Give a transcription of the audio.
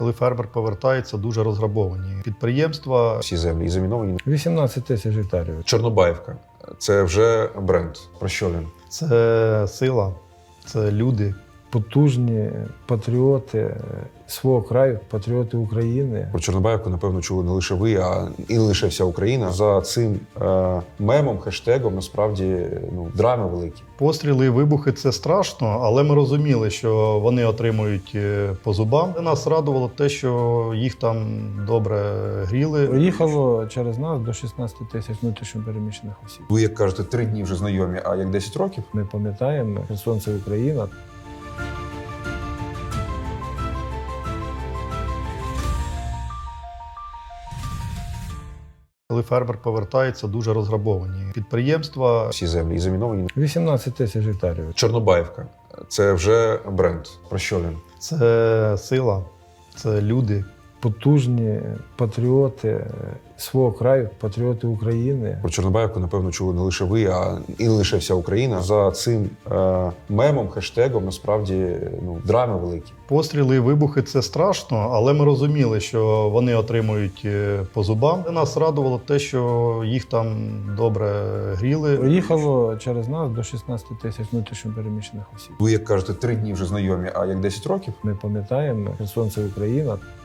Коли фермер повертається, дуже розграбовані підприємства. Всі землі і заміновані. 18 тисяч гектарів. Чорнобаївка – це вже бренд. Про що він? Це сила, це люди. Потужні патріоти свого краю, патріоти України. Про Чорнобаївку, напевно, чули не лише ви, а і не лише вся Україна. За цим мемом, хештегом, насправді, драми великі. Постріли і вибухи – це страшно, але ми розуміли, що вони отримують по зубам. Нас радувало те, що їх там добре гріли. Приїхало через нас до 16 тисяч внутрішньо переміщених осіб. Ви, як кажете, 3 дні вже знайомі, а як 10 років? Ми пам'ятаємо, Херсон – це Україна. Коли фермер повертається, дуже розграбовані підприємства. Всі землі і заміновані. 18 тисяч гектарів. Чорнобаївка – це вже бренд. Про що він? Це сила, це люди. Потужні патріоти свого краю, патріоти України. Про Чорнобаївку, напевно, чули не лише ви, а і не лише вся Україна. За цим мемом, хештегом, насправді, драми великі. Постріли і вибухи – це страшно, але ми розуміли, що вони отримують по зубам. Нас радувало те, що їх там добре гріли. Приїхало через нас до 16 тисяч внутрішньо переміщених осіб. Ви, як кажете, 3 дні вже знайомі, а як 10 років? Ми пам'ятаємо, Херсон – це Україна.